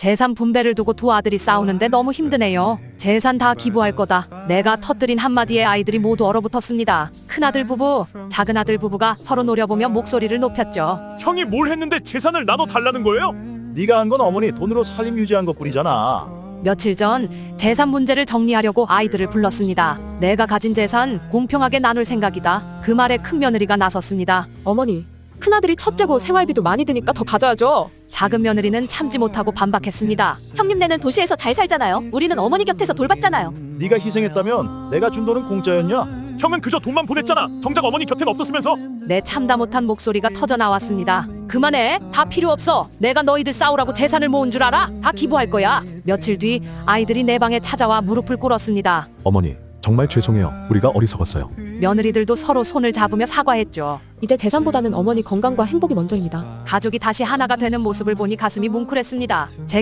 재산 분배를 두고 두 아들이 싸우는데 너무 힘드네요. 재산 다 기부할 거다. 내가 터뜨린 한마디에 아이들이 모두 얼어붙었습니다. 큰아들 부부, 작은아들 부부가 서로 노려보며 목소리를 높였죠. 형이 뭘 했는데 재산을 나눠 달라는 거예요? 네가 한 건 어머니 돈으로 살림 유지한 것뿐이잖아. 며칠 전 재산 문제를 정리하려고 아이들을 불렀습니다. 내가 가진 재산 공평하게 나눌 생각이다. 그 말에 큰며느리가 나섰습니다. 어머니, 큰아들이 첫째고 생활비도 많이 드니까 더 가져야죠. 작은 며느리는 참지 못하고 반박했습니다. 형님네는 도시에서 잘 살잖아요. 우리는 어머니 곁에서 돌봤잖아요. 네가 희생했다면 내가 준 돈은 공짜였냐? 형은 그저 돈만 보냈잖아. 정작 어머니 곁엔 없었으면서. 내 참다 못한 목소리가 터져 나왔습니다. 그만해. 다 필요 없어. 내가 너희들 싸우라고 재산을 모은 줄 알아? 다 기부할 거야. 며칠 뒤 아이들이 내 방에 찾아와 무릎을 꿇었습니다. 어머니, 정말 죄송해요. 우리가 어리석었어요. 며느리들도 서로 손을 잡으며 사과했죠. 이제 재산보다는 어머니 건강과 행복이 먼저입니다. 가족이 다시 하나가 되는 모습을 보니 가슴이 뭉클했습니다. 제